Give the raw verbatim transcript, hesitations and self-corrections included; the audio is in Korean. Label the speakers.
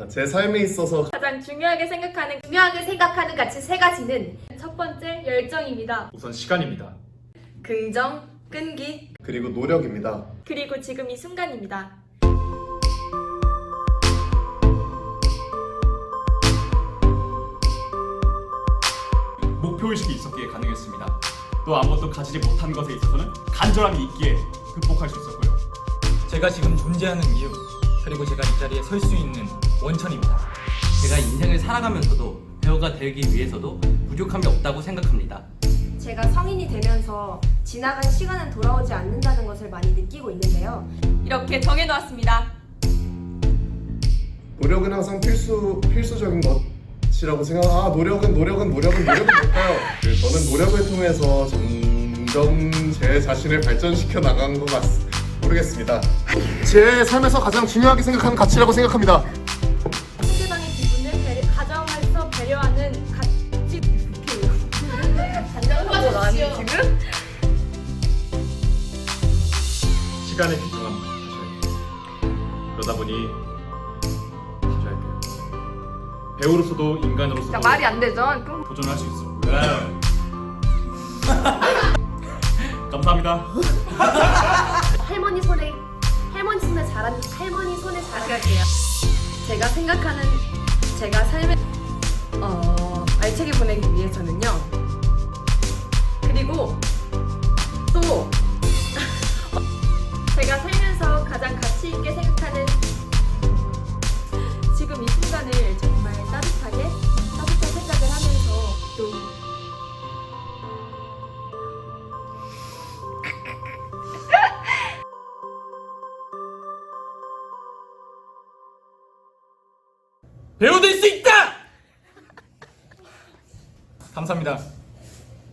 Speaker 1: 제 삶에 있어서
Speaker 2: 가장 중요하게 생각하는
Speaker 3: 중요하게 생각하는 가치 세 가지는
Speaker 2: 첫 번째 열정입니다.
Speaker 4: 우선 시간입니다.
Speaker 2: 긍정, 끈기,
Speaker 1: 그리고 노력입니다.
Speaker 2: 그리고 지금 이 순간입니다.
Speaker 4: 목표의식이 있었기에 가능했습니다. 또 아무것도 가지지 못한 것에 있어서는 간절함이 있기에 극복할 수 있었고요.
Speaker 5: 제가 지금 존재하는 이유, 그리고 제가 이 자리에 설 수 있는 원천입니다.
Speaker 6: 제가 인생을 살아가면서도 배우가 되기 위해서도 부족함이 없다고 생각합니다.
Speaker 3: 제가 성인이 되면서 지나간 시간은 돌아오지 않는다는 것을 많이 느끼고 있는데요.
Speaker 2: 이렇게 정해놓았습니다.
Speaker 1: 노력은 항상 필수 필수적인 것이라고 생각. 아 노력은 노력은 노력은 노력은 뭘까요? 그 저는 노력을 통해서 점점 제 자신을 발전시켜 나간 것 같. 모르겠습니다. 제 삶에서 가장 중요하게 생각하는 가치라고 생각합니다.
Speaker 2: 상대방의 기분을 배려, 가정에서 배려하는 가치 단정하고 나니 지금?
Speaker 4: 시간의 귀중함 사실. 그러다 보니 자주 할게요. 배우로서도 인간으로서도
Speaker 2: 말이 안 되죠? 그럼
Speaker 4: 도전할 수 있었고요. 감사합니다.
Speaker 3: 할머니 손에 할머니 손에 자란 할머니 손에 자란
Speaker 2: 할게요. 제가 생각하는 제가 삶을 어, 알차게 보내기 위해서는요. 그리고 또 제가 살면서 가장 가치 있게 생각하는 지금 이 순간을 정말 따뜻하게 따뜻한 생각을 하면서 또
Speaker 5: 배우 될 수 있다! 감사합니다.